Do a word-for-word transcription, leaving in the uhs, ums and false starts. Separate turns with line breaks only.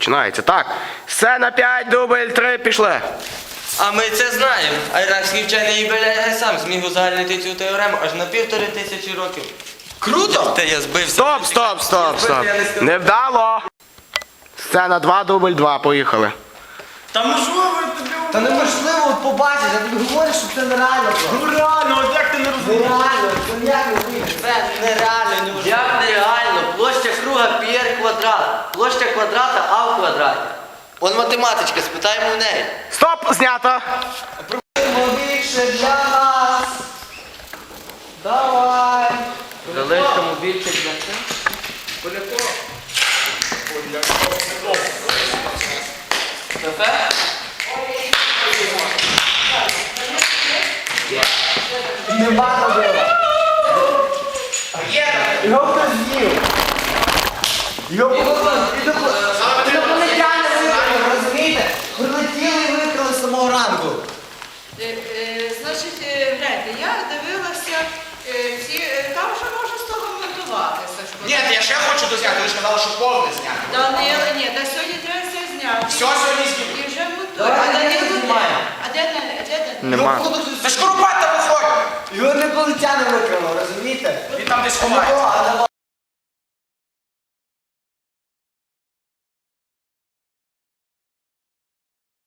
починається. Так, сцена п'ять, дубль три, пішли.
А ми це знаємо. А іракський вчений Ібн сам зміг узагальнити цю теорему аж на півтори тисячі років.
Круто!
Та я збився.
Стоп, стоп, стоп, стоп. Невдало. Сцена два, дубль два, поїхали.
Та можливо тобі...
Та неможливо от побачити, я тобі говорю, що це нереально.
Ну реально, от як ти не розумієш?
Нереально, це як не вийде.
Це нереально, неможливо. Як нереально? Площа круга пі ар квадрат. Площа квадрата а в квадраті. Он математичка, спитаємо у неї.
Стоп, знято.
Більше для нас. Давай.
Залишимо більше для цього. Кафе?
Нема робила. Його хтось з'їв. Його інопланетяни викрали, розумієте? Прилетіли і викрали з самого ранку.
Е, е, Значить, е, гляньте, я дивилася, е, ці, е, там вже можна з того монтувати, Сашко.
Ні, я ще хочу дозняти, ви ж казали, що повне зняти.
Та не, ні, та сьогодні треба все зняти.
Все сьогодні знімемо.
І вже монтують.
Давай,
А де
давай,
не
знімаємо.
А де не, де не?
Нема.
Та ж Куропатка виходить!
Його інопланетяни викрали, розумієте?
Він там десь ховається.
О, а давай.